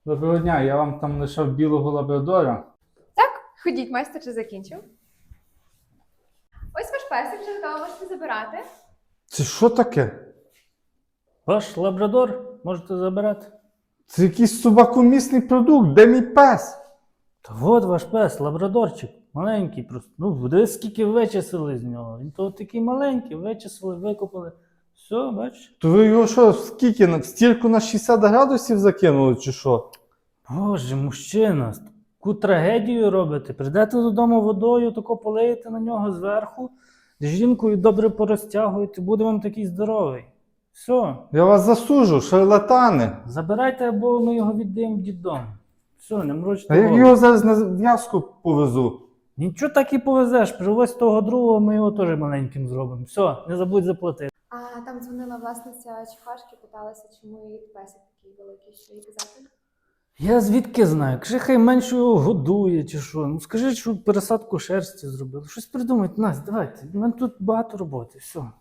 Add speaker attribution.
Speaker 1: Доброго дня, я вам там лишав білого лабрадора.
Speaker 2: Так, ходіть, майстер вже закінчив. Ось ваш песик вже готово, можете забирати.
Speaker 1: Це що таке?
Speaker 3: Ваш лабрадор можете забирати.
Speaker 1: Це якийсь собакомісний продукт, де мій пес?
Speaker 3: Та от ваш пес, лабрадорчик, маленький просто. Ну, дивись, скільки вичислили з нього. Він то такий маленький, вичислили, викопали. Все, бачиш?
Speaker 1: То ви його що, скільки, в стірку на 60 градусів закинули, чи що?
Speaker 3: Боже, мужчина, таку трагедію робите. Прийдете додому водою, тако полиєте на нього зверху, з жінкою добре порозтягуєте, буде вам такий здоровий. Все,
Speaker 1: Я вас засуджу, шарлатани.
Speaker 3: забирайте, або ми його віддаємо в дитдом. Все, не мрочте
Speaker 1: А я
Speaker 3: голову.
Speaker 1: його зараз на в'язку повезу.
Speaker 3: Нічого так і повезеш, привозь того другого, ми його теж маленьким зробимо. Все, не забудь заплатити.
Speaker 2: А там дзвонила власниця Чехашки, питалася, чому її песик такий великий, що їй казати.
Speaker 3: Я звідки знаю? Кажи, хай менше його годує чи що. Ну скажи, що пересадку шерсті зробили. Щось придумайте, Настя, давайте. У мене тут багато роботи, все.